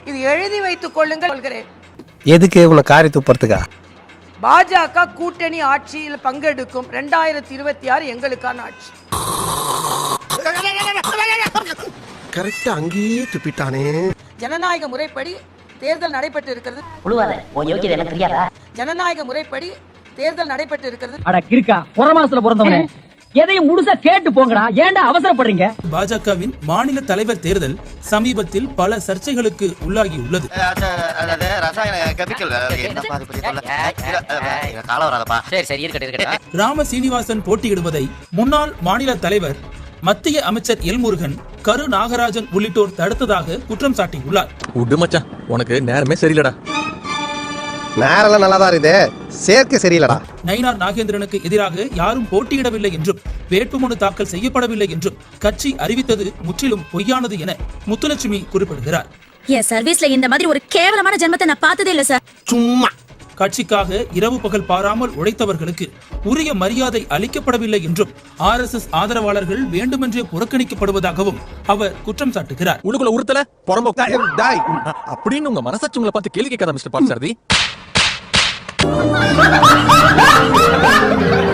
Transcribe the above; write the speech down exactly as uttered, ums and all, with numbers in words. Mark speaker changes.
Speaker 1: இது எழுதி வைத்துக் கொள்ளுங்கள் சொல்கிறேன்.
Speaker 2: எதுக்கு உன காரி துப்புறதுக்கா?
Speaker 1: பாஜக கூட்டணி ஆட்சியில் பங்கெடுக்கும் இரண்டாயிரத்தி இருபத்தி ஆறு எங்களுக்கான ஆட்சி.
Speaker 3: கரெக்டா அங்கேயே துப்பிட்டானே.
Speaker 1: ஜனநாயக முறைப்படி தேர்தல் நடைபெற்று இருக்கிறது. ஜனநாயக முறைப்படி தேர்தல் நடைபெற்று இருக்கிறது.
Speaker 4: அட கிறுக்கா, புறமாசத்துல பிறந்தவனே, எதையும் முழுசா கேட்டு போங்கடா, ஏன்டா அவசரப்படுறீங்க?
Speaker 5: பாஜகவின் மாநில தலைவர் தேர்தல் சமீபத்தில் பல சர்ச்சைகளுக்கு உள்ளாகி உள்ளது. ராம சீனிவாசன் போட்டியிடுவதை முன்னாள் மாநில தலைவர் மத்திய அமைச்சர் எல் முருகன், கரு நாகராஜன் உள்ளிட்டோர் தடுத்ததாக குற்றம் சாட்டியுள்ளார்.
Speaker 6: உடுமச்சான், உனக்கு நேரமே சரியில்லடா.
Speaker 3: நேரெல்லாம் நல்லாதான் இதே, சேர்க்கை சரியில்லடா.
Speaker 5: நயினார் நாகேந்திரனுக்கு எதிராக யாரும் போட்டியிடவில்லை என்றும் வேட்புமனு தாக்கல் செய்யப்படவில்லை என்றும் கட்சி அறிவித்தது முற்றிலும் பொய்யானது என முத்துலட்சுமி குறிப்பிடுகிறார்.
Speaker 7: என் சர்வீஸ்ல இந்த மாதிரி ஒரு கேவலமான ஜென்மத்தை நான் பார்த்ததே இல்ல சார்.
Speaker 3: சும்மா
Speaker 5: கட்சிக்காக இரவு பகல் பாராமல் உழைத்தவர்களுக்கு உரிய மரியாதை அளிக்கப்படவில்லை என்றும் ஆர் எஸ் எஸ் ஆதரவாளர்கள் வேண்டுமென்றே புறக்கணிக்கப்படுவதாகவும் அவர் குற்றம் சாட்டுகிறார்.
Speaker 6: உனக்குள்ள உறுத்தல புறம்போக்கு அப்படின்னு உங்க மனசாட்சி உங்களை பார்த்து கேள்வி கேட்காத மிஸ்டர் பார்சாரதி.